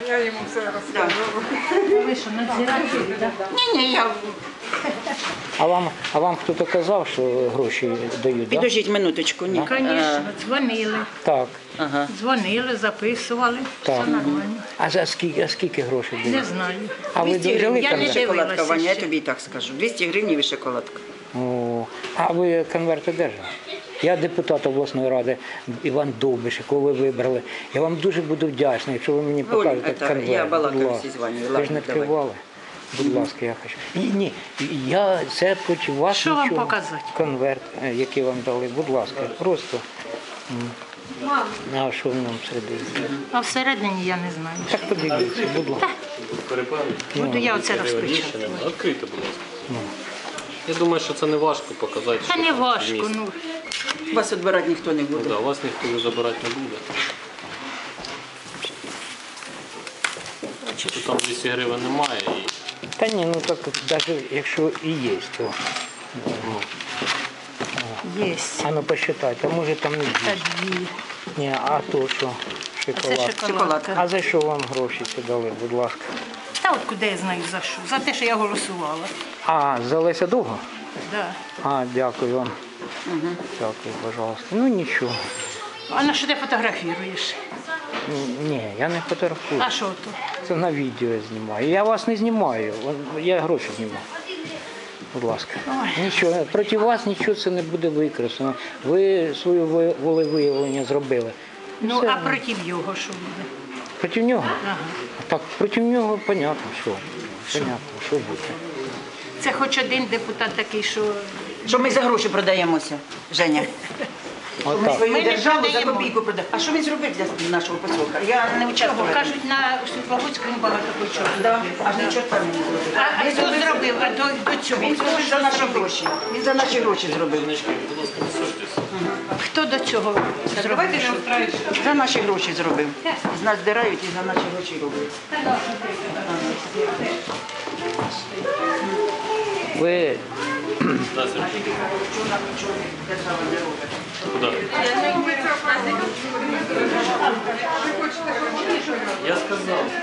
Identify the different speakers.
Speaker 1: Я йому все розкажу.
Speaker 2: Ви що, надзирателі, так?
Speaker 1: Ні, я...
Speaker 3: А вам хто-то казав, що гроші дають, так?
Speaker 1: Підождіть минуточку, ні.
Speaker 2: Звісно, дзвонили.
Speaker 3: Так,
Speaker 1: Ага.
Speaker 2: Дзвонили, записували,
Speaker 3: Так.
Speaker 2: все нормально.
Speaker 3: а скільки грошей дають?
Speaker 2: Не знаю.
Speaker 3: А ви
Speaker 1: 200
Speaker 3: взяли
Speaker 1: гривень
Speaker 2: Я не
Speaker 3: конверт?
Speaker 1: шоколадка,
Speaker 2: дивилася
Speaker 1: Ваня, я
Speaker 2: ще.
Speaker 1: тобі і так скажу. 200 гривень і шоколадка.
Speaker 3: О, а ви конверт одержали? Я депутат обласної ради Іван Довбиш, якого ви вибрали. Я вам дуже буду вдячний, якщо ви мені покажете
Speaker 1: це
Speaker 3: конверт.
Speaker 1: я балакаю
Speaker 3: Будь
Speaker 1: всі
Speaker 3: ласка.
Speaker 1: з Ванею.
Speaker 3: Ви ж
Speaker 1: Ладно,
Speaker 3: не
Speaker 1: давай.
Speaker 3: відкривали? Будь ласка, я хочу. Ні, це проти вас
Speaker 2: Що вам
Speaker 3: нічого.
Speaker 2: показати?
Speaker 3: Конверт, який вам дали, будь ласка, просто. А що в ньому всередині?
Speaker 2: А всередині я не знаю.
Speaker 3: Так подивіться, будь ласка.
Speaker 2: Буду я оце розпечатати.
Speaker 4: Відкрийте, будь ласка. Я думаю, що це не важко показати.
Speaker 2: Та
Speaker 4: що
Speaker 2: не
Speaker 4: там
Speaker 2: важко,
Speaker 4: вміст.
Speaker 2: ну.
Speaker 1: Вас відбирати ніхто не буде.
Speaker 4: Да, вас ніхто забирати не буде. Тут там 200 гривень немає. І...
Speaker 3: Та ні, ну так навіть якщо і є, то.
Speaker 2: Є.
Speaker 3: А ну посчитайте, а може там не
Speaker 2: Та
Speaker 3: 200.
Speaker 2: дві.
Speaker 3: Ні, а то що?
Speaker 2: Це
Speaker 3: Шоколад.
Speaker 2: шоколадка.
Speaker 3: А за що вам гроші ці дали, будь ласка?
Speaker 2: Та от куди я знаю за що? За те, що я голосувала.
Speaker 3: А, за Леся Довго?
Speaker 2: Да.
Speaker 3: А, дякую вам. Дякую, пожалуйста. Ну нічого.
Speaker 2: А на що ти фотографіруєш?
Speaker 3: Ні, я не фотографую.
Speaker 2: А що то?
Speaker 3: Це на відео я знімаю. Я вас не знімаю, я гроші знімаю. Будь ласка. Нічого, проти вас нічого це не буде використано. Ви своє волевиявлення зробили.
Speaker 2: Ну,
Speaker 3: Все.
Speaker 2: а проти його що буде?
Speaker 3: Проти нього?
Speaker 2: Ага.
Speaker 3: Так, проти нього понятно, що. Понятно, що буде.
Speaker 2: Це хоч один депутат такий, що
Speaker 1: Що ми за гроші продаємося, Женя? Ми
Speaker 3: Отак.
Speaker 1: свою
Speaker 2: Ми не
Speaker 1: державу за
Speaker 2: продаємо.
Speaker 1: копійку продаємо. А що він зробив для нашого поселка? Я не участвувала.
Speaker 2: кажуть, на Світловодську багато хочуть.
Speaker 1: Да, аж нічого там не зробив.
Speaker 2: А хто зробив? А до цього?
Speaker 1: Він
Speaker 2: Хто
Speaker 1: зробив за
Speaker 2: що
Speaker 1: наші
Speaker 2: зробив?
Speaker 1: гроші. Він за наші гроші зробив.
Speaker 4: Будь ласка, присуджуйтесь.
Speaker 2: Хто до цього зробив?
Speaker 1: За наші гроші зробив. З нас здирають і за наші гроші роблять.
Speaker 3: Ви
Speaker 4: Да, Сергій. Куди? Я сказав.